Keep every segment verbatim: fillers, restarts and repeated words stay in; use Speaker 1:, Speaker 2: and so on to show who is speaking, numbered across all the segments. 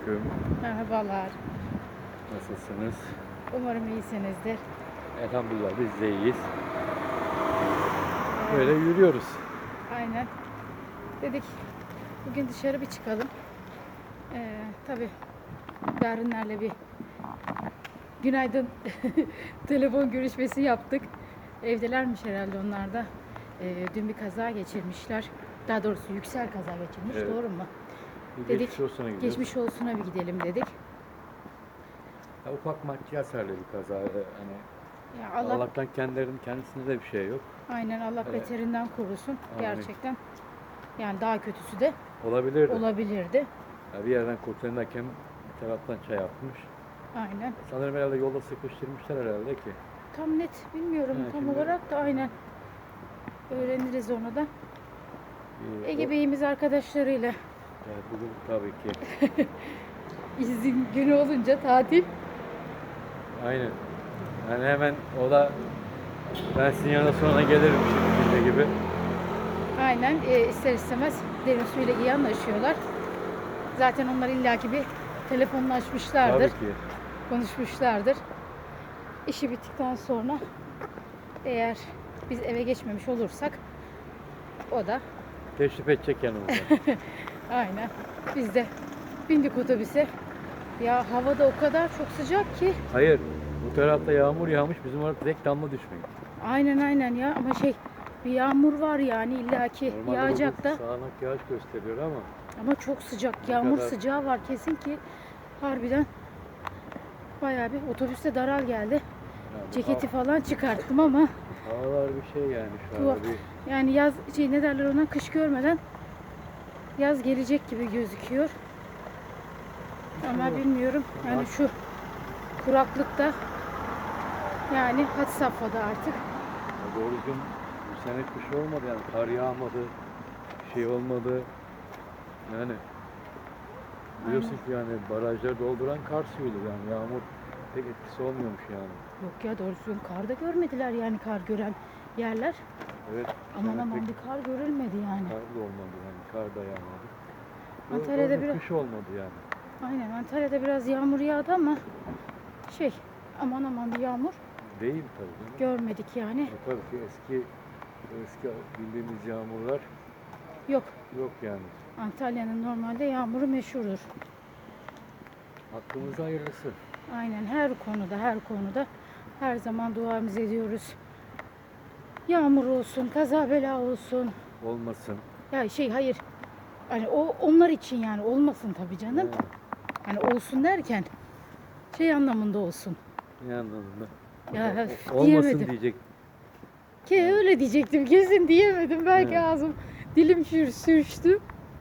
Speaker 1: Selamünaleyküm.
Speaker 2: Merhabalar.
Speaker 1: Nasılsınız?
Speaker 2: Umarım iyisinizdir.
Speaker 1: Elhamdülillah biz de iyiyiz. Böyle yürüyoruz.
Speaker 2: Aynen. Dedik bugün dışarı bir çıkalım. Ee, tabii Berrinlerle bir günaydın telefon görüşmesi yaptık. Evdelermiş herhalde onlar da. Ee, dün bir kaza geçirmişler. Daha doğrusu Yüksel kaza geçirmiş.
Speaker 1: Evet.
Speaker 2: Doğru mu?
Speaker 1: Bir
Speaker 2: Dedik
Speaker 1: geçmiş olsuna gidiyoruz.
Speaker 2: geçmiş olsuna bir gidelim dedik.
Speaker 1: Ya, ufak maddi hasarlı bir kaza. Hani
Speaker 2: Ya Allah
Speaker 1: Allah'tan kendilerinin kendisinde de bir şey yok.
Speaker 2: aynen Allah
Speaker 1: Evet.
Speaker 2: beterinden korusun.
Speaker 1: Amin.
Speaker 2: Gerçekten. Yani daha kötüsü de
Speaker 1: Olabilirdi.
Speaker 2: olabilirdi.
Speaker 1: Ya, bir yerden kurtarırken bir taraftan çay atmış.
Speaker 2: Aynen.
Speaker 1: Sanırım herhalde yolda sıkıştırmışlar herhalde ki.
Speaker 2: Tam net bilmiyorum
Speaker 1: Ha,
Speaker 2: tam
Speaker 1: şimdi-
Speaker 2: olarak da aynen. Öğreniriz onu da.
Speaker 1: Ee,
Speaker 2: Ege
Speaker 1: o-
Speaker 2: Bey'imiz arkadaşlarıyla
Speaker 1: Evet, bugün tabii ki.
Speaker 2: izin günü olunca tatil.
Speaker 1: Aynen. Yani hemen o da ben sizin yanına sonra gelirim şimdi gibi.
Speaker 2: Aynen e, ister istemez derin suyla iyi anlaşıyorlar. Zaten onlar illaki bir telefonlaşmışlardır,
Speaker 1: Tabii ki.
Speaker 2: konuşmuşlardır. İşi bittikten sonra eğer biz eve geçmemiş olursak o da
Speaker 1: Teşrif edecek yanımıza.
Speaker 2: aynen. Biz de bindik otobüse. Ya havada o kadar çok sıcak ki.
Speaker 1: Hayır, bu tarafta yağmur yağmış, bizim orada tek damla düşmüyor.
Speaker 2: Aynen aynen ya ama şey bir yağmur var yani illaki
Speaker 1: Normalde
Speaker 2: yağacak
Speaker 1: burada
Speaker 2: da
Speaker 1: sağanak yağış gösteriyor ama
Speaker 2: ama çok sıcak
Speaker 1: Ne
Speaker 2: yağmur
Speaker 1: kadar-
Speaker 2: sıcağı var kesin ki harbiden bayağı bir otobüste daral geldi.
Speaker 1: yani
Speaker 2: Ceketi falan çıkarttım ama
Speaker 1: ha- havalar bir şey yani şu
Speaker 2: Tuhaf.
Speaker 1: anda bir
Speaker 2: yani yaz şey ne derler ona kış görmeden yaz gelecek gibi gözüküyor. Ama
Speaker 1: Tuhaf.
Speaker 2: bilmiyorum yani
Speaker 1: Tuhaf.
Speaker 2: şu kuraklıkta yani had safhada artık.
Speaker 1: ya doğru düzgün bu sene kış olmadı yani kar yağmadı, şey olmadı. Yani biliyorsun ki yani barajları dolduran kar suyudur yani yağmur pek etkisi olmuyormuş yani.
Speaker 2: Yok ya doğru düzgün kar da görmediler yani kar gören yerler.
Speaker 1: Evet. bu
Speaker 2: Aman
Speaker 1: sene
Speaker 2: aman
Speaker 1: pek
Speaker 2: bir kar görülmedi yani.
Speaker 1: kar da olmadı yani kar da yağmadı. Doğru-
Speaker 2: Antalya'da
Speaker 1: doğru
Speaker 2: biraz-
Speaker 1: kış olmadı yani.
Speaker 2: Aynen Antalya'da biraz yağmur yağdı ama şey aman aman bir yağmur
Speaker 1: Değil tabii canım.
Speaker 2: görmedik yani.
Speaker 1: E, tabii ki eski eski bildiğimiz yağmurlar
Speaker 2: Yok
Speaker 1: yok yani.
Speaker 2: Antalya'nın normalde yağmuru meşhurdur.
Speaker 1: Hakkımızda hayırlısı.
Speaker 2: Aynen her konuda her konuda her zaman duamızı ediyoruz. Yağmur olsun, kaza bela olsun.
Speaker 1: Olmasın.
Speaker 2: Ya şey hayır. Hani o onlar için yani olmasın tabii canım.
Speaker 1: He,
Speaker 2: Hani olsun derken şey anlamında olsun.
Speaker 1: ne anlamında?
Speaker 2: Ya
Speaker 1: O- olmasın
Speaker 2: diyemedim.
Speaker 1: diyecek.
Speaker 2: Ki öyle diyecektim kesin diyemedim. Belki
Speaker 1: He.
Speaker 2: ağzım dilim sür, sürçtü.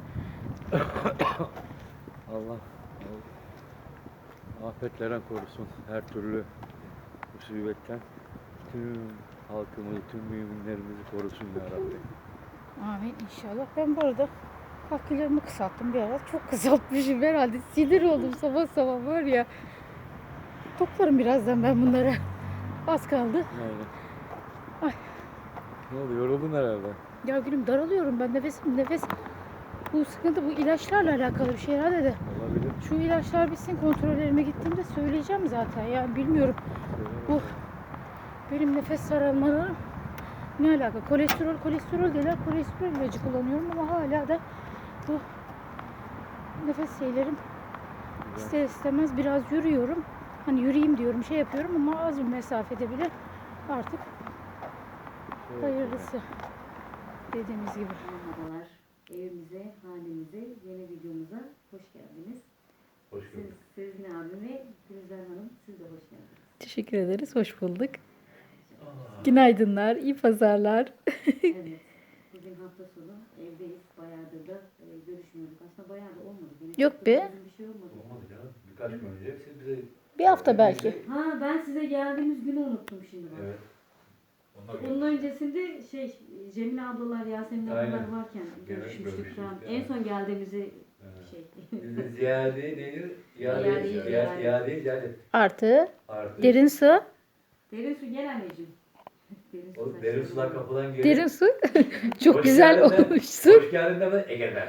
Speaker 1: Allah afetlerden korusun. Her türlü musibetten tüm halkımızı, tüm müminlerimizi korusun ya Rabbi.
Speaker 2: Amin inşallah. Ben bu arada kakülerimi kısalttım bir ara. Çok kısaltmışım herhalde. Sinir oldum sabah sabah var ya. Toplarım birazdan ben bunlara. Az kaldı.
Speaker 1: Aynen.
Speaker 2: Ay.
Speaker 1: Ne oldu? Yoruldun herhalde.
Speaker 2: Ya gülüm daralıyorum ben nefesim nefes. Bu sıkıntı bu ilaçlarla alakalı bir şey herhalde de.
Speaker 1: Olabilir.
Speaker 2: Şu ilaçlar bitsin kontrollerime gittiğimde söyleyeceğim zaten ya bilmiyorum. Bu benim nefes sarılmalarım ne alaka? Kolesterol kolesterol diyorlar. Kolesterol ilacı kullanıyorum ama hala da bu nefes şeylerim ister istemez biraz yürüyorum. Hani yürüyeyim diyorum şey yapıyorum ama az bir mesafede bile artık
Speaker 1: Şey
Speaker 2: hayırlısı dediğimiz gibi.
Speaker 3: Merhabalar. Evimize, hanemize, yeni videomuza hoş geldiniz.
Speaker 1: Hoş
Speaker 3: Siz,
Speaker 1: gördük.
Speaker 3: Sezgin abim ve Gülizar Hanım, siz de hoş geldiniz.
Speaker 2: Teşekkür ederiz. Hoş bulduk. Günaydınlar, iyi pazarlar.
Speaker 3: Evet, bugün hafta sonu evdeyiz. Bayağıdır da e, görüşmüyorduk. Aslında bayağı da olmadı. Yine
Speaker 2: Yok
Speaker 3: çok da
Speaker 2: be.
Speaker 3: uzun Bir şey olmadı.
Speaker 1: Olmadı canım. Birkaç gün önce siz bize...
Speaker 2: Bir hafta belki.
Speaker 3: Ha ben size geldiğimiz günü unuttum şimdi bak.
Speaker 1: Evet.
Speaker 3: Onun öncesinde şey Cemile ablalar, Yasemin ablalar
Speaker 1: Aynen.
Speaker 3: varken
Speaker 1: Gene
Speaker 3: görüşmüştük
Speaker 1: görüşmüştük,
Speaker 3: falan.
Speaker 1: evet.
Speaker 3: En son geldiğimizi
Speaker 1: Evet.
Speaker 3: şey.
Speaker 1: Bizde ziyade neydi?
Speaker 3: İade,
Speaker 1: İade,
Speaker 3: iade.
Speaker 1: iade, iade, iade.
Speaker 2: Artı
Speaker 1: Artı.
Speaker 2: derin su.
Speaker 3: Derin su gel anneciğim. Derin su
Speaker 1: O
Speaker 3: saçları.
Speaker 1: derin sular kapıdan geliyor.
Speaker 2: Derin su. Çok
Speaker 1: Hoş
Speaker 2: güzel
Speaker 1: geldin de-
Speaker 2: olmuşsun.
Speaker 1: Hoş geldin de ben Ege'den.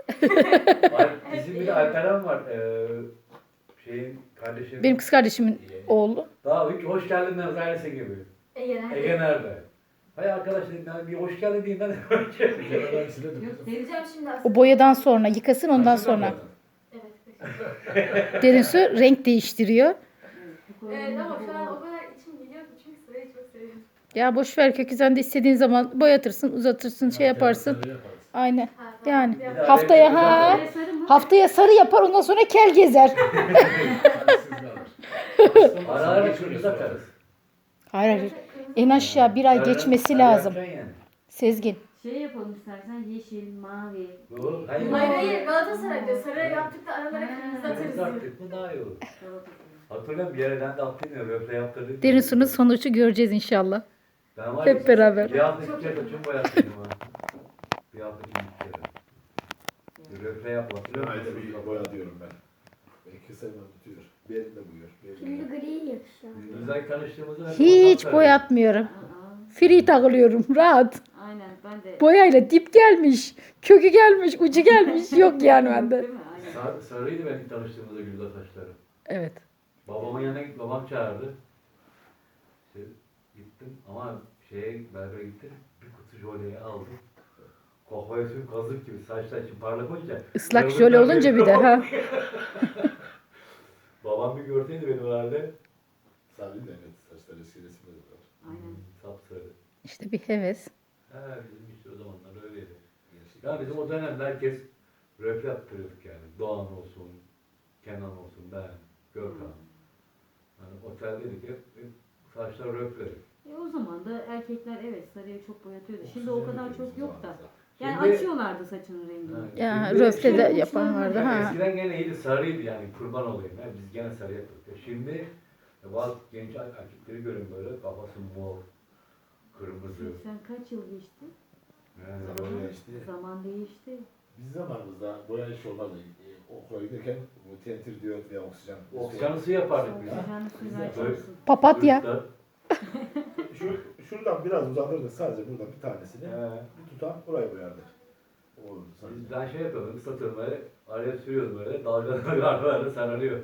Speaker 1: Ay, bizim bir de Alperen var. Ee, şeyin kardeşim.
Speaker 2: Benim kız kardeşimin oğlu.
Speaker 1: Daha hiç hoş geldin demez ailesi gibi.
Speaker 3: Ege nerede?
Speaker 1: Ege nerede? Hay arkadaş dedim yani bir hoş geldin diyeyim ben de önce.
Speaker 3: Yok vereceğim şimdi aslında.
Speaker 2: O boyadan sonra yıkasın ondan sonra.
Speaker 3: Evet.
Speaker 2: Derin su renk değiştiriyor.
Speaker 4: Evet ama şu an o kadar içim geliyor ki çünkü sırayı çok seviyorum.
Speaker 2: Ya boş ver kökü sen de istediğin zaman boyatırsın, uzatırsın, şey yaparsın. Aynen.
Speaker 4: Ha, tamam.
Speaker 2: Yani
Speaker 4: Bir
Speaker 2: haftaya ha
Speaker 3: Sarı sarı mı?
Speaker 2: haftaya sarı yapar ondan sonra kel gezer.
Speaker 1: Ara ara kırmızı atarız.
Speaker 2: Hayır hayır. En aşağı bir ay geçmesi lazım.
Speaker 1: Yapacaksın yani.
Speaker 2: Sezgin.
Speaker 3: Şey yapalım istersen yeşil, mavi.
Speaker 1: Doğru. Hayır.
Speaker 4: Hayır hayır Galatasaray'da sarı yaptık da aralara kırmızı atarız
Speaker 1: Kırmızı
Speaker 4: diyor.
Speaker 1: attık mı daha iyi olur.
Speaker 3: Salata.
Speaker 1: Hatırlıyorum bir yere ben de attım ya röple yaptırdık.
Speaker 2: Derin suyun sonucu göreceğiz inşallah.
Speaker 1: Ben var
Speaker 2: Hep
Speaker 1: ya,
Speaker 2: beraber.
Speaker 1: Bir hafta iki kere saçımı boyattıydım ha. Bir hafta iki kere. Röple yap hatırlıyor musun?
Speaker 5: Ayda bir boya diyorum ben. Belki sevmem tutuyor. Benim de buyur. Benim de.
Speaker 4: gri yakışıyor.
Speaker 1: Güzel tanıştığımızda ben
Speaker 2: Hiç
Speaker 1: fotoğraf
Speaker 2: boyatmıyorum.
Speaker 3: Aa,
Speaker 2: Free takılıyorum rahat.
Speaker 3: aynen ben de.
Speaker 2: Boyayla dip gelmiş, kökü gelmiş, ucu gelmiş yok yani bende.
Speaker 3: Değil mi? Aynen.
Speaker 1: Sar, sarıydı benim tanıştığımızda Gülda saçları.
Speaker 2: Evet.
Speaker 1: Babamın yanına git, babam çağırdı. İşte gittim ama şeye berbere gittim. Bir kutu jöleyi aldım. Kafaya sürüp kazık gibi saçlar için parlak olunca.
Speaker 2: Islak
Speaker 1: kırmızı
Speaker 2: jöle olunca bir de ha.
Speaker 1: Babam bir görseydi benim herhalde.
Speaker 5: Sarı da evet. Saçlar eski resimde de var.
Speaker 3: Aynen.
Speaker 1: Sapsarı.
Speaker 2: İşte bir heves.
Speaker 1: He bizim işte o zamanlar öyleydi. Ya bizim o dönemde herkes röple yaptırıyorduk yani. Doğan olsun, Kenan olsun, ben, Görkan. Hani oteldeydik hep, hep saçlar röple.
Speaker 3: E o zaman da erkekler evet sarıya çok boyatıyordu. Şimdi o kadar çok yok da. Yani
Speaker 1: Şimdi-
Speaker 3: açıyorlardı saçının rengini.
Speaker 1: Ha,
Speaker 2: Ya
Speaker 1: şimdi-
Speaker 2: röfle de
Speaker 1: şimdi-
Speaker 2: yapan vardı
Speaker 1: Yani
Speaker 2: ha.
Speaker 1: eskiden gene iyiydi, sarıydı yani kurban olayım. Yani biz gene sarı yapıyorduk. Ya Şimdi e, bazı genç erkekleri görün böyle kafası mor, kırmızı.
Speaker 3: Sen kaç yıl geçti?
Speaker 1: Yani
Speaker 5: Zaman
Speaker 1: böyle
Speaker 5: geçti.
Speaker 3: Zaman değişti.
Speaker 5: Biz zamanımızda boya iş olmazdı. E, okula giderken bu tentir diyor veya oksijen.
Speaker 1: oksijen ısı yapardık biz.
Speaker 3: Oksijenli suyla
Speaker 5: Güzel.
Speaker 3: açarsın.
Speaker 2: Papatya.
Speaker 1: Üstten,
Speaker 5: Şu, şuradan biraz uzanırdı sadece burada bir tanesini.
Speaker 1: he.
Speaker 5: Bir tutam buraya boyardık. O olurdu sadece.
Speaker 1: Biz- Ben şey yapıyordum, ıslatıyorum böyle, araya sürüyordum böyle, dalgalar böyle sarılıyor.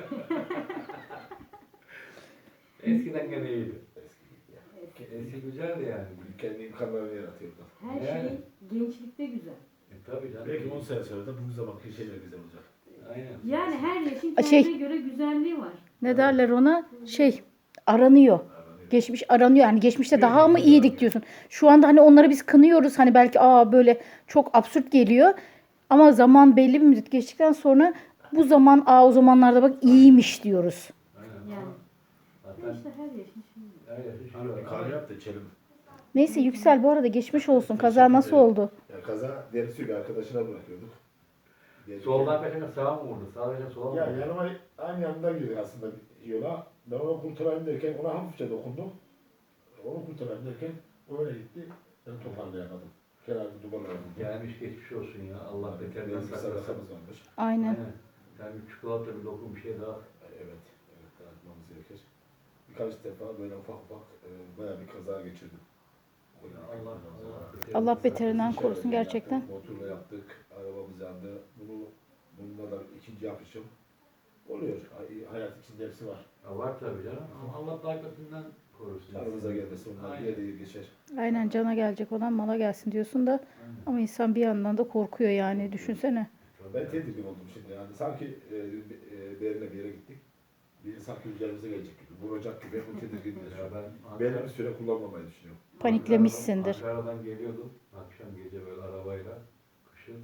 Speaker 1: Eskiden gene iyiydi.
Speaker 5: Eski gibi ya.
Speaker 1: Eski güzeldi yani.
Speaker 5: Kendi imkanlarını yaratıyordu.
Speaker 3: Her
Speaker 1: Yani.
Speaker 3: şey gençlikte güzel.
Speaker 1: E, tabii canım.
Speaker 5: Belki on sene sonra da bu zamanki şeyler güzel olacak.
Speaker 1: Aynen.
Speaker 3: Yani her yaşın
Speaker 2: Şey-
Speaker 3: kendine göre güzelliği var.
Speaker 2: Ne derler ona? Şey aranıyor.
Speaker 5: Aranıyor.
Speaker 2: Geçmiş aranıyor yani geçmişte daha mı iyiydik diyorsun. Şu anda hani onları biz kınıyoruz hani belki aa böyle çok absürt geliyor. Ama zaman belli bir müddet geçtikten sonra bu zaman aa o zamanlarda bak iyiymiş diyoruz.
Speaker 1: Aynen.
Speaker 3: Yani.
Speaker 1: Ama
Speaker 3: Ya
Speaker 1: Zaten
Speaker 3: işte her yaşın şimdi.
Speaker 1: her yaşın şey
Speaker 5: Hani
Speaker 1: var.
Speaker 5: bir kahve yap da içelim.
Speaker 2: Neyse Yüksel bu arada geçmiş olsun. Kaza nasıl oldu?
Speaker 5: Ya kaza dersi bir arkadaşına bırakıyorduk. Gelirken-
Speaker 1: Soldan kaçana sağa mı vurdu? Sağa kaçana sola mı
Speaker 5: Ya
Speaker 1: vurdu?
Speaker 5: yanıma aynı yanında girdik aslında yola. Ben onu kurtarayım derken ona hafifçe dokundum. Onu kurtarayım derken o öyle gitti. Ben toparlayamadım. Kenarda duvarlarım.
Speaker 1: Gelmiş geçmiş olsun ya. Allah beterinden
Speaker 5: Benim bir
Speaker 1: saklasın.
Speaker 5: sarısamız varmış.
Speaker 2: Aynen.
Speaker 1: Sen bir çikolata bir lokum bir şey daha.
Speaker 5: Evet, evet dağıtmamız gerekir. Birkaç defa böyle ufak ufak e, bayağı bir kaza geçirdim.
Speaker 1: Ya Allah Allah.
Speaker 2: Allah beterinden
Speaker 5: Dışarıda
Speaker 2: korusun gerçekten.
Speaker 5: yaptık, motorla yaptık, arabamız yandı. Bunu, bununla da ikinci yapışım. Oluyor. Hay- Hayat içinde hepsi var.
Speaker 1: Ya var tabii canım. Ama Allah daha kötünden korusun.
Speaker 5: Aramıza gelmesi onlar
Speaker 1: Aynen.
Speaker 5: diye diye geçer.
Speaker 2: Aynen cana gelecek olan mala gelsin diyorsun da
Speaker 1: Aynen.
Speaker 2: ama insan bir yandan da korkuyor yani düşünsene.
Speaker 5: Ben tedirgin oldum şimdi yani. Sanki e, e, bir yerine bir yere gittik. Bir sanki üzerimize gelecek gibi, vuracak gibi bu tedirgin
Speaker 1: Ya
Speaker 5: yaşıyor.
Speaker 1: ben
Speaker 5: Belli bir
Speaker 1: Ankara-
Speaker 5: süre kullanmamayı düşünüyorum.
Speaker 2: Paniklemişsindir.
Speaker 1: Ankara'dan, Ankara'dan geliyordum. Akşam gece böyle arabayla. Kışın.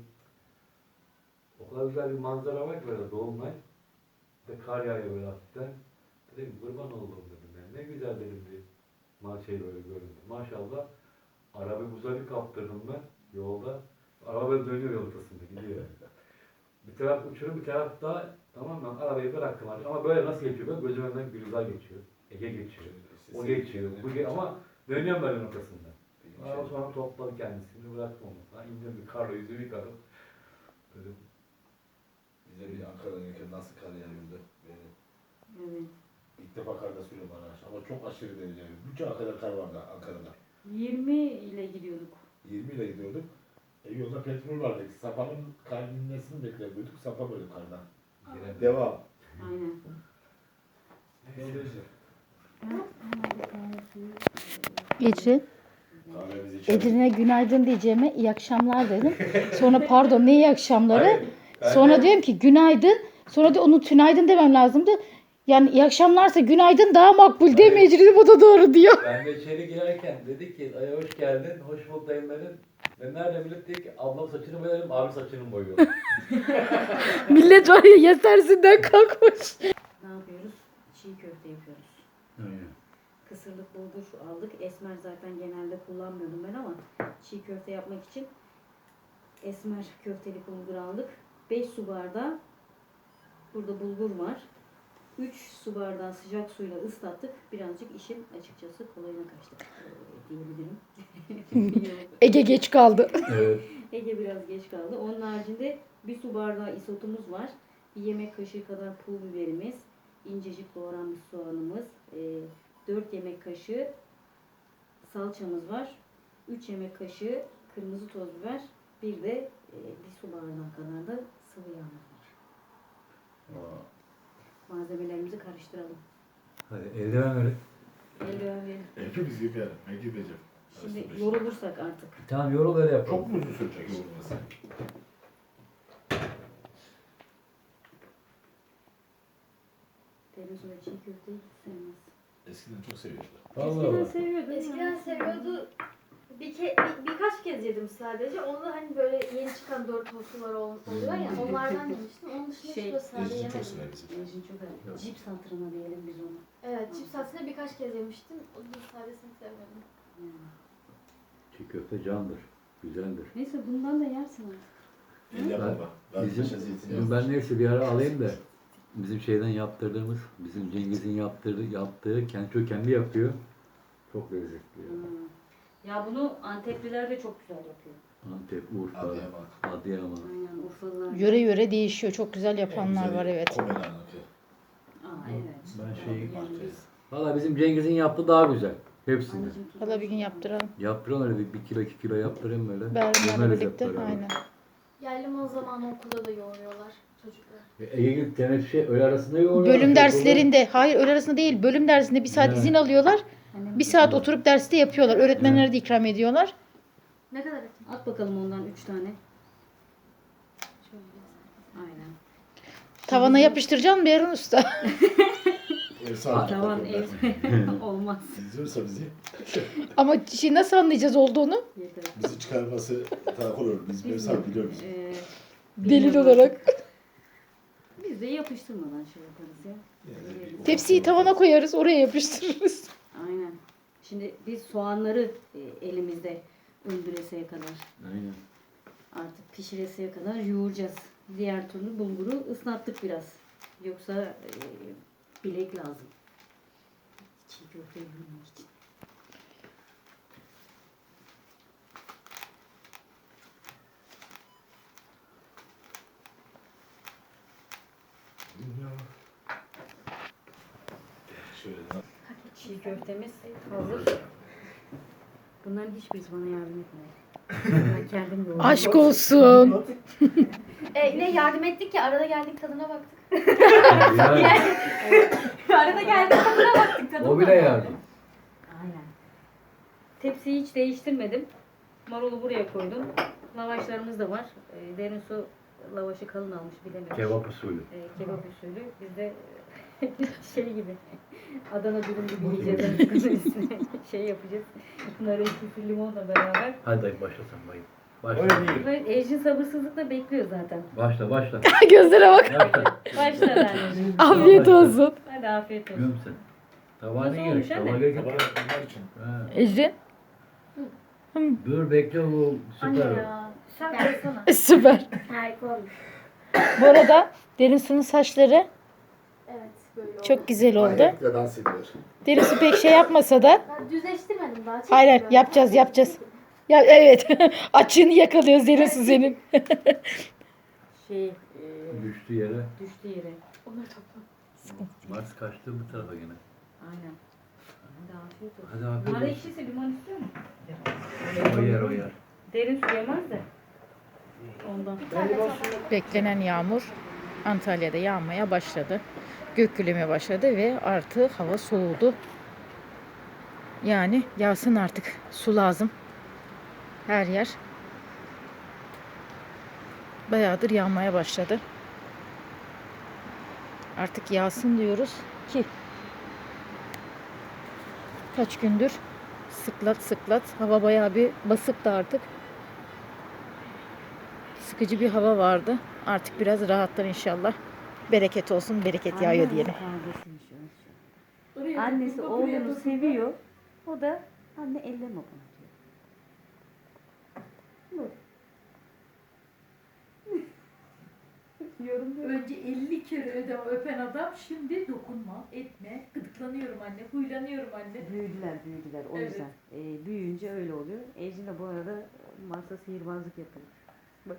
Speaker 1: O kadar güzel bir manzara var ki böyle dolunay. Bir de kar yağıyor böyle hafiften. Dedim kurban oldum dedim yani. Ne güzel dedim bir ma şey böyle göründü. Maşallah. Arabayı buza bir kaptırdım ben yolda. Araba böyle dönüyor yol ortasında gidiyor. Bir taraf uçurum bir taraf da tamam mı arabayı bıraktım artık. Ama böyle nasıl geçiyor böyle gözüm önünden Gülizar geçiyor. Ege geçiyor.
Speaker 5: İşte
Speaker 1: O
Speaker 5: sevgi-
Speaker 1: geçiyor. Bu ge ama dönüyorum böyle ortasında.
Speaker 5: Şey-
Speaker 1: Ondan sonra topladı kendisini bıraktım onu. Ha, indim bir karla yüzümü yıkadım. Böyle
Speaker 5: Bize bir Ankara'dan gelirken nasıl kar yağıyordu. Böyle
Speaker 3: Evet.
Speaker 5: ilk defa karda sürüyorum araç ama çok aşırı derece. Bütçe kadar kar vardı Ankara'da.
Speaker 3: yirmi ile gidiyorduk.
Speaker 5: yirmi ile gidiyorduk. E, yolda petrol vardı. Sapanın kaynamesini bekliyorduk. Sapa böyle kardan.
Speaker 1: Girelim.
Speaker 5: Devam.
Speaker 3: Aynen.
Speaker 2: Ecrin.
Speaker 5: Kahvemizi içelim.
Speaker 2: Ecrin'e günaydın diyeceğime iyi akşamlar dedim. Sonra pardon ne iyi akşamları.
Speaker 5: Hayır, ben
Speaker 2: Sonra
Speaker 5: de-
Speaker 2: diyorum ki günaydın. Sonra da onu tünaydın demem lazımdı. Yani iyi akşamlarsa günaydın daha makbul değil mi Ecrin? O da doğru diyor.
Speaker 1: Ben de içeri girerken dedi ki ay hoş geldin, hoş bulduk dayım dedim. Ben nerede millet dedi ki ablam saçını boyarım, abi saçını mı boyuyor.
Speaker 2: Millet var ya yetersinden kalkmış.
Speaker 3: Ne yapıyoruz? Çiğ köfte yapıyoruz.
Speaker 1: Aynen.
Speaker 3: Kısırlık bulgur aldık. Esmer zaten genelde kullanmıyordum ben ama çiğ köfte yapmak için esmer köftelik bulgur aldık. beş su bardağı burada bulgur var. üç su bardağı sıcak suyla ıslattık. Birazcık işin açıkçası kolayına kaçtık ee, diyebilirim.
Speaker 2: Ege geç kaldı.
Speaker 1: Evet.
Speaker 3: Ege biraz geç kaldı. Onun haricinde bir su bardağı isotumuz var. Bir yemek kaşığı kadar pul biberimiz, incecik doğranmış soğanımız, dört yemek kaşığı salçamız var. üç yemek kaşığı kırmızı toz biber, bir de e, bir su bardağı kadar da sıvı yağımız var. Malzemelerimizi karıştıralım.
Speaker 1: Hadi eldiven verin.
Speaker 3: Eldiven verin.
Speaker 5: Hepimiz gibi yani. Ben gideceğim.
Speaker 3: Şimdi yorulursak artık.
Speaker 1: Tamam yorul öyle yapalım.
Speaker 5: Çok mu uzun sürecek yorulması?
Speaker 3: Televizyon çiğ köfteyi hiç sevmez.
Speaker 5: Eskiden çok seviyordum.
Speaker 1: Vallahi
Speaker 3: Eskiden
Speaker 1: bak.
Speaker 3: seviyordu.
Speaker 4: Eskiden seviyordu. Bir, ke, bir birkaç kez yedim sadece. Onu da hani böyle yeni çıkan dört tostular ol- oluyor ya. Onlardan yemiştim. Onun dışında
Speaker 3: Şey,
Speaker 4: hiç böyle sade
Speaker 5: Eskiden çok
Speaker 4: yemedim.
Speaker 5: sever bizim.
Speaker 3: Ejin çok öyle. Cips hatırına diyelim biz onu.
Speaker 4: Evet, cips aslında birkaç kez yemiştim. O da sadesini sevmedim.
Speaker 3: Yani.
Speaker 1: Çiğ köfte candır. Güzeldir.
Speaker 3: Neyse bundan da yersin artık.
Speaker 5: El yapma. Ben
Speaker 1: Bizim,
Speaker 5: paşa zeytinyağı.
Speaker 1: ben neyse bir ara alayım da bizim şeyden yaptırdığımız, bizim Cengiz'in yaptırdığı, yaptığı, kendi, çok kendi yapıyor. Çok lezzetli. Ya.
Speaker 3: Hmm. Ya bunu Antepliler de çok güzel yapıyor.
Speaker 1: Antep, Urfa,
Speaker 5: Adıyaman.
Speaker 1: Adıyaman.
Speaker 3: Aynen Urfalılar.
Speaker 2: Yöre yöre değişiyor. Çok güzel yapanlar
Speaker 5: En
Speaker 2: var
Speaker 5: güzeli
Speaker 2: evet.
Speaker 5: Komelan'ınki.
Speaker 3: Aa evet.
Speaker 1: Ben şey-
Speaker 3: Yani biz-
Speaker 1: Valla bizim Cengiz'in yaptığı daha güzel. Hepsini.
Speaker 3: Anneciğim tut-
Speaker 2: Valla bir gün yaptıralım.
Speaker 1: Yaptırın öyle bir, bir kilo iki kilo yaptırayım böyle.
Speaker 2: Beraberle
Speaker 1: Yemeriz
Speaker 2: birlikte.
Speaker 1: hep beraber.
Speaker 2: Aynen.
Speaker 4: Yerli zamanı okulda da yoğuruyorlar çocuklar.
Speaker 1: E, Ege git gene şey öğle arasında yoğuruyor.
Speaker 2: Bölüm derslerinde, hayır öğle arasında değil, bölüm dersinde bir saat
Speaker 1: Evet.
Speaker 2: izin alıyorlar.
Speaker 3: Annem
Speaker 2: Bir saat oturup derste yapıyorlar. Öğretmenlere de ikram ediyorlar.
Speaker 4: Ne kadar ettim?
Speaker 3: At bakalım ondan üç tane.
Speaker 4: Şöyle.
Speaker 3: Aynen.
Speaker 2: Tavana yapıştıracaksın mı Erun Usta?
Speaker 5: Ev sahibi.
Speaker 3: Tavan ev olmaz.
Speaker 5: İzliyorsa bizi,
Speaker 2: Ama şey nasıl anlayacağız olduğunu?
Speaker 3: Yeter.
Speaker 5: bizi çıkarması takıl olur. Biz ev sahibi biliyoruz.
Speaker 3: Ee,
Speaker 2: Delil
Speaker 3: bilmiyorum.
Speaker 2: olarak.
Speaker 3: Biz de yapıştırmadan şey yaparız ya.
Speaker 5: Yani,
Speaker 2: Tepsiyi tavana koyarız, oraya yapıştırırız.
Speaker 3: Aynen. Şimdi biz soğanları e, elimizde öldüreseye kadar,
Speaker 1: Aynen.
Speaker 3: artık pişireseye kadar yoğuracağız. Diğer türlü bulguru ıslattık biraz. Yoksa e, bilek lazım. Çiğ köfte yemek için.
Speaker 5: Şöyle
Speaker 3: Çiğ köftemiz hazır. Bunların hiçbirisi bana yardım etmedi. Ben kendim yoğurdum.
Speaker 2: Aşk olsun.
Speaker 4: E, ne yardım ettik ya arada geldik tadına baktık.
Speaker 1: Yani,
Speaker 4: arada geldik tadına baktık tadına.
Speaker 1: o bile yardım.
Speaker 3: Aynen. Tepsiyi hiç değiştirmedim. Marulu buraya koydum. Lavaşlarımız da var. E, derin su lavaşı kalın almış bilememiş.
Speaker 1: Kebap usulü.
Speaker 3: E, kebap usulü. Biz de şey gibi Adana dürüm gibi yiyeceğiz. Üstüne şey yapacağız. Nar ekşisi limonla beraber.
Speaker 1: Hadi dayı başla sen bayım. Başla.
Speaker 5: öyle değil.
Speaker 3: Ve Ejin sabırsızlıkla bekliyor zaten.
Speaker 1: Başla başla.
Speaker 2: Gözlere bak.
Speaker 1: Başla.
Speaker 3: Başla anneciğim.
Speaker 2: Afiyet olsun.
Speaker 3: Hadi afiyet olsun.
Speaker 1: Göm sen. Tabağa
Speaker 3: Nasıl
Speaker 1: ne
Speaker 3: olmuş
Speaker 1: gerek?
Speaker 3: anne?
Speaker 1: Tabağa gerek
Speaker 5: Tabağı
Speaker 1: yok.
Speaker 5: bunlar için.
Speaker 1: Ha.
Speaker 2: Ecrin.
Speaker 1: Dur bekle bu
Speaker 4: Anne
Speaker 1: süper.
Speaker 4: ya. Sen koysana.
Speaker 2: Süper.
Speaker 4: Harika olmuş.
Speaker 2: Bu arada Derin Su'nun saçları
Speaker 4: Evet böyle oldu.
Speaker 2: çok güzel oldu.
Speaker 5: Ayakla dans ediyor.
Speaker 2: Derin Su pek şey yapmasa da.
Speaker 4: Ben düzleştirmedim daha.
Speaker 2: Hayır hayır
Speaker 4: çektim
Speaker 2: yapacağız
Speaker 4: böyle.
Speaker 2: yapacağız. Ya evet. Açığını yakalıyoruz Derin Su senin.
Speaker 3: Şey e,
Speaker 1: Düştü yere.
Speaker 3: düştü yere.
Speaker 4: Onları topla.
Speaker 1: Mars kaçtı bu tarafa gene.
Speaker 3: Aynen. Hadi afiyet olsun.
Speaker 1: Hadi afiyet
Speaker 3: Nar
Speaker 1: olsun.
Speaker 3: ekşisi limon istiyor mu?
Speaker 1: O yer o yer.
Speaker 3: Derin su yemez de. Ondan.
Speaker 4: Bir tane tabak.
Speaker 2: Beklenen yağmur Antalya'da yağmaya başladı. Gök gürlemeye başladı ve artık hava soğudu. Yani yağsın artık. Su lazım. Her yer bayağıdır yağmaya başladı. Artık yağsın diyoruz ki kaç gündür sıklat sıklat hava bayağı bir basıktı artık. Sıkıcı bir hava vardı. Artık biraz rahatlar inşallah. Bereket olsun, bereket yağıyor diyelim.
Speaker 3: Annesi oğlunu seviyor. O da anne elleme bunu diyor. Yorum yok.
Speaker 6: Önce elli kere ödem öpen adam şimdi dokunma, etme, gıdıklanıyorum anne, huylanıyorum anne.
Speaker 3: Büyüdüler büyüdüler o
Speaker 6: Evet.
Speaker 3: yüzden. Ee, büyüyünce öyle oluyor. Ecin de bu arada Mars'a sihirbazlık yapıyor. Bak.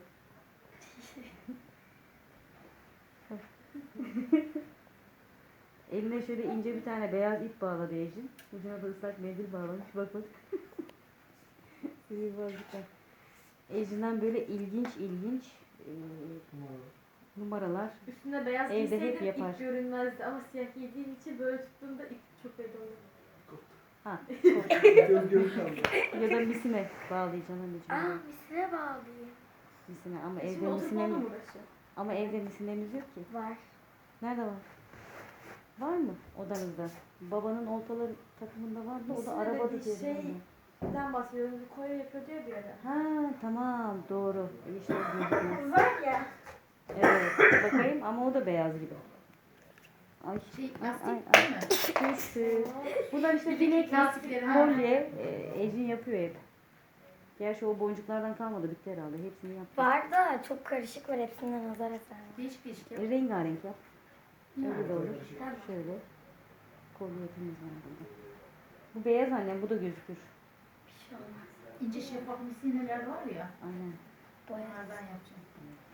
Speaker 3: Eline şöyle ince bir tane beyaz ip bağladı Ecin. Ucuna da ıslak mendil bağlamış. Bak bak. Sihirbazlıklar. Ecin'den böyle ilginç ilginç e, numaralar.
Speaker 4: Üstünde beyaz
Speaker 3: Evde hep
Speaker 4: giyseydim
Speaker 3: yapar.
Speaker 4: ip görünmezdi ama siyah giydiğim için böyle tuttuğumda ip çok belli oluyor.
Speaker 3: Ha.
Speaker 7: Göz göz kaldı.
Speaker 3: Ya da misine bağlayacaksın anneciğim.
Speaker 4: Aa misine bağlıyım.
Speaker 3: Misine ama
Speaker 4: E
Speaker 3: evde
Speaker 4: Şimdi oturup
Speaker 3: misine
Speaker 4: onunla mı uğraşıyor?
Speaker 3: ama evde misinemiz yok ki.
Speaker 4: Var.
Speaker 3: Nerede var? Var mı odanızda? Babanın oltaları takımında var mı? O da
Speaker 4: Misine
Speaker 3: arabada
Speaker 4: dediği
Speaker 3: diye
Speaker 4: şey-
Speaker 3: biliyorum
Speaker 4: Neden bahsediyorum? Bir koya yapıyor diye bir ara.
Speaker 3: ben. Ha tamam doğru. İşte o gözükmez.
Speaker 4: Var ya.
Speaker 3: Evet bakayım ama o da beyaz gibi. Ay
Speaker 6: Şey,
Speaker 3: ay
Speaker 6: lastik
Speaker 3: ay
Speaker 6: değil
Speaker 3: ay.
Speaker 6: mi?
Speaker 3: Kötü. Bunlar işte
Speaker 6: Bileklik
Speaker 3: bileklik,
Speaker 6: lastikleri, ha.
Speaker 3: kolye, e, Ecin yapıyor hep. Gerçi o boncuklardan kalmadı bitti herhalde. Hepsini yaptı.
Speaker 8: Var da çok karışık var, hepsinden nazar eser.
Speaker 6: Değişik değişik.
Speaker 3: E, rengarenk yap. Öyle de olur.
Speaker 8: Tamam.
Speaker 3: Şöyle. Kolye yapımız var burada. Bu beyaz annem, bu da gözükür.
Speaker 8: Bir şey olmaz.
Speaker 6: İnce şeffaf misineler var ya,
Speaker 3: Aynen.
Speaker 8: Boya.
Speaker 6: onlardan yapacağım.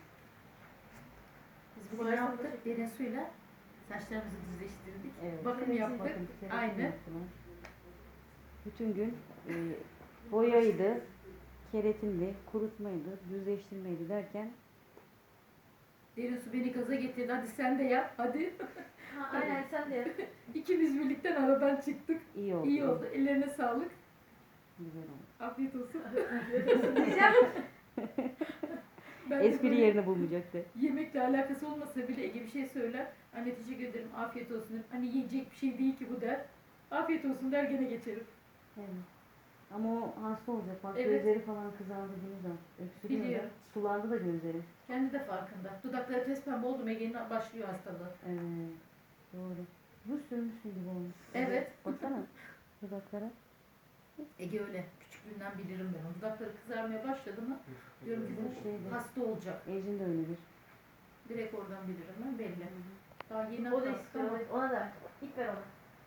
Speaker 6: Biz bunu yaptık, derin suyla saçlarımızı düzleştirdik.
Speaker 3: Evet.
Speaker 6: Bakım yaptık.
Speaker 3: Bakın, keratin
Speaker 6: Aynı.
Speaker 3: yaptılar. Bütün gün e, boyaydı, keretindi, kurutmaydı, düzleştirmeydi derken
Speaker 6: Derin su beni gaza getirdi. Hadi sen de yap. Hadi.
Speaker 4: Ha, aynen sen de yap.
Speaker 6: İkimiz birlikten aradan çıktık.
Speaker 3: iyi oldu.
Speaker 6: İyi oldu. Ellerine sağlık.
Speaker 3: Güzel oldu.
Speaker 6: Afiyet olsun.
Speaker 4: Diyeceğim.
Speaker 6: Ben de
Speaker 3: Espri
Speaker 6: böyle
Speaker 3: yerini bulmayacaktı.
Speaker 6: yemekle alakası olmasa bile Ege bir şey söyler. Anne teşekkür ederim. Afiyet olsun derim. Hani yiyecek bir şey değil ki bu der. Afiyet olsun der gene geçerim.
Speaker 3: Evet. Ama o hasta olacak. Bak
Speaker 6: Evet.
Speaker 3: gözleri falan kızardı bunu da. Öksürüyor da.
Speaker 6: Biliyorum.
Speaker 3: Sulandı da gözleri.
Speaker 6: Kendi de farkında. Dudakları pes pembe oldu mu Ege'nin başlıyor hastalığı.
Speaker 3: Evet. Doğru. Rus sürmüşsün gibi olmuş.
Speaker 6: Evet.
Speaker 3: Baksana dudaklara.
Speaker 6: Ege öyle. Küçüklüğünden bilirim ben. onu. Dudakları kızarmaya başladı mı diyorum ki
Speaker 3: Bu şeyde.
Speaker 6: bu hasta olacak.
Speaker 3: Ecin de öyledir.
Speaker 6: Direkt oradan bilirim ben belli. Daha yeni
Speaker 4: O da
Speaker 6: atlattı
Speaker 4: istiyor.
Speaker 6: ama
Speaker 4: Ona da. İp ver ona.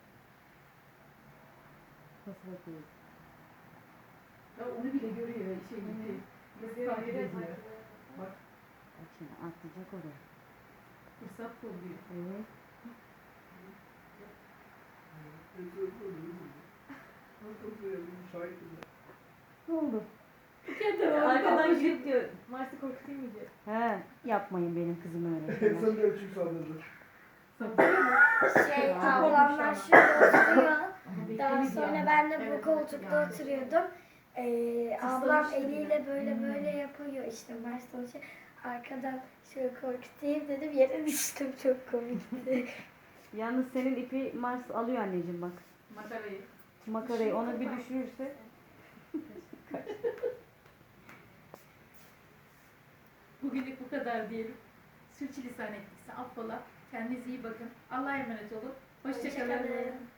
Speaker 3: Nasıl bakıyor?
Speaker 6: ya onu bile görüyor. Şey gibi. Nasıl takip ediyor. Bak
Speaker 3: Bak şimdi atlayacak oraya.
Speaker 6: fırsat kolluyor.
Speaker 3: Evet. Ne oldu?
Speaker 6: Kendi
Speaker 3: Arkadan gidip diyor.
Speaker 4: Mars'ı korkutayım mı diyor.
Speaker 3: He, yapmayın benim kızıma öyle şeyler.
Speaker 7: Sen de ölçüm sandırdı.
Speaker 8: Şey,
Speaker 3: Aa,
Speaker 8: ablamlar şurada oturuyor.
Speaker 6: Ama
Speaker 8: Daha
Speaker 6: beklemedi
Speaker 8: sonra
Speaker 6: yani.
Speaker 8: ben de
Speaker 6: Evet,
Speaker 8: bu
Speaker 6: evet,
Speaker 8: koltukta
Speaker 6: yani.
Speaker 8: oturuyordum. Ee, ablam
Speaker 6: Kıslamıştı
Speaker 8: eliyle
Speaker 6: bile.
Speaker 8: böyle
Speaker 6: Hmm.
Speaker 8: böyle yapıyor işte Mars çalışıyor. Arkadan şöyle korkutayım dedim, yere düştüm, çok komikti.
Speaker 3: Yalnız senin ipi Mars alıyor anneciğim bak.
Speaker 6: Makarayı.
Speaker 3: Makarayı onu bir düşürürse.
Speaker 6: Bugünlük bu kadar diyelim. Sürçülisan ettiyse affola. Kendinize iyi bakın. Allah'a emanet olun. Hoşçakalın.
Speaker 8: Hoşçakalın.